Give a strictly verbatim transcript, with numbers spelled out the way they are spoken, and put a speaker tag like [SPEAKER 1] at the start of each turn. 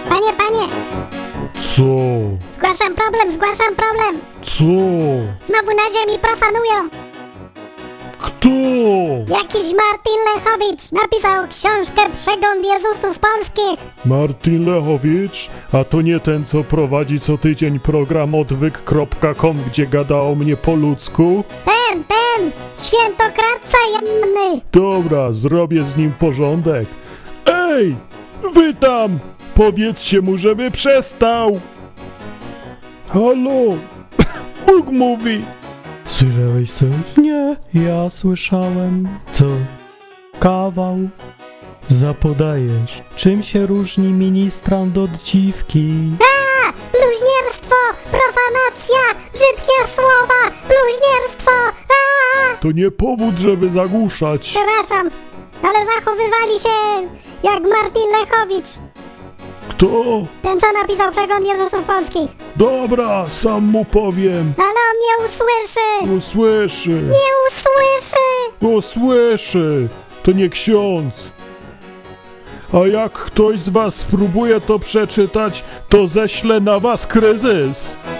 [SPEAKER 1] Panie, panie!
[SPEAKER 2] Co?
[SPEAKER 1] Zgłaszam problem, zgłaszam problem!
[SPEAKER 2] Co?
[SPEAKER 1] Znowu na ziemi profanują!
[SPEAKER 2] Kto?
[SPEAKER 1] Jakiś Martin Lechowicz napisał książkę Przegląd Jezusów Polskich!
[SPEAKER 2] Martin Lechowicz? A to nie ten, co prowadzi co tydzień program odwyk kropka com, gdzie gada o mnie po ludzku?
[SPEAKER 1] Ten, ten! Świętokradca jemny!
[SPEAKER 2] Dobra, zrobię z nim porządek. Ej! Wy tam! Powiedzcie mu, żeby przestał! Halo! Bóg mówi!
[SPEAKER 3] Słyszałeś coś? Nie, ja słyszałem. Co? Kawał? Zapodajesz. Czym się różni ministrant od dziwki?
[SPEAKER 1] A! Bluźnierstwo! Profanacja! Brzydkie słowa! Bluźnierstwo! A!
[SPEAKER 2] To nie powód, żeby zagłuszać.
[SPEAKER 1] Przepraszam, ale zachowywali się jak Martin Lechowicz.
[SPEAKER 2] Kto?
[SPEAKER 1] Ten, co napisał Przegląd Jezusów Polskich.
[SPEAKER 2] Dobra, sam mu powiem.
[SPEAKER 1] Ale on nie usłyszy!
[SPEAKER 2] Usłyszy.
[SPEAKER 1] Nie usłyszy!
[SPEAKER 2] Usłyszy. To nie ksiądz. A jak ktoś z was spróbuje to przeczytać, to ześlę na was kryzys.